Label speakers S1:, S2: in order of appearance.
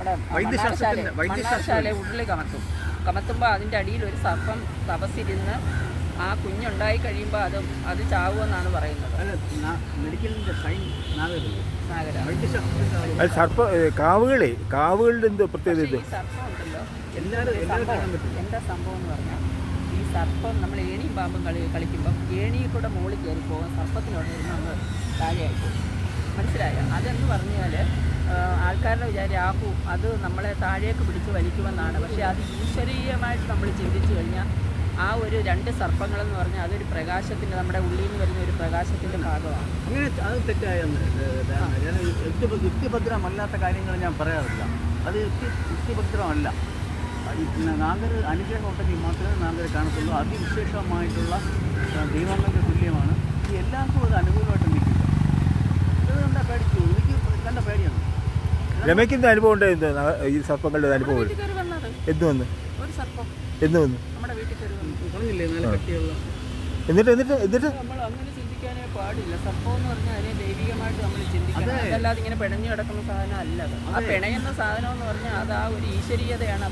S1: നമ്മുടെ മണ്ണാർശാല ഉരുളി കമത്തുമ്പോൾ അതിൻ്റെ അടിയിൽ ഒരു സർപ്പം തപസ്സിരുന്ന് ആ കുഞ്ഞുണ്ടായി കഴിയുമ്പോൾ അത് ചാവുമെന്നാണ് പറയുന്നത്.
S2: കാവുകളുടെ എന്തോ പ്രത്യേകത?
S1: ഈ സർപ്പം ഉണ്ടല്ലോ, എന്താ സംഭവം എന്ന് പറഞ്ഞാൽ ഈ സർപ്പം നമ്മൾ ഏണിയും പാമ്പും കളിക്കുമ്പം ഏണിയിൽ കൂടെ മുകളിൽ കയറി പോകും, സർപ്പത്തിനോട് നമ്മൾ താഴെയായി പോകും. മനസ്സിലായോ? അതെന്ന് പറഞ്ഞാൽ ആൾക്കാരുടെ രാഹു അത് നമ്മളെ താഴേക്ക് പിടിച്ച് വലിക്കുമെന്നാണ്. പക്ഷേ അത് ഈശ്വരീയമായിട്ട് നമ്മൾ ചിന്തിച്ചു കഴിഞ്ഞാൽ ആ ഒരു 2 സർപ്പങ്ങളെന്ന് പറഞ്ഞാൽ അതൊരു പ്രകാശത്തിൻ്റെ, നമ്മുടെ ഉള്ളിൽ നിന്ന് വരുന്ന ഒരു പ്രകാശത്തിൻ്റെ ഭാഗമാണ്.
S3: അങ്ങനെ അത് തെറ്റായെന്ന് യുക്തിഭദ്രമല്ലാത്ത കാര്യങ്ങൾ ഞാൻ പറയാറില്ല. അത് യുക്തിഭദ്രമല്ല. നാഗർ അനുഗ്രഹം ഉണ്ടെങ്കിൽ മാത്രമേ നാഗർ കാണത്തുള്ളൂ. അതിവിശേഷമായിട്ടുള്ള ദൈവങ്ങൾക്ക് തുല്യമാണ്. ഈ എല്ലാവർക്കും അത് അനുകൂലമായിട്ട് നിൽക്കില്ല. അത് കണ്ടാൽ പേടിച്ചു. എനിക്ക് കണ്ട പേടിയാണ്.
S2: രമയ്ക്കുന്ന അനുഭവം ഉണ്ടായിരുന്നു ഈ സർപ്പങ്ങളുടെ അനുഭവം? എന്ത് വന്ന്
S1: ഒരു സർപ്പം
S2: എന്ത് വന്നു
S1: നമ്മുടെ വീട്ടിൽ കയറി
S3: പറഞ്ഞില്ലേ നല്ല കട്ടിയുള്ള.
S2: എന്നിട്ട്
S1: നമ്മൾ അങ്ങനെ ചിന്തിക്കാനേ പാടില്ല. സർപ്പം എന്ന് പറഞ്ഞാൽ അതിനെ ദൈവികമായിട്ട് നമ്മൾ ചിന്തിക്കണം. അതല്ലാതെ ഇങ്ങനെ പിണഞ്ഞു കിടക്കുന്ന സാധനം അല്ല അത്. ആ പിണയുന്ന സാധനം എന്ന് പറഞ്ഞാൽ അത് ആ ഒരു ഈശ്വരീയതയാണ്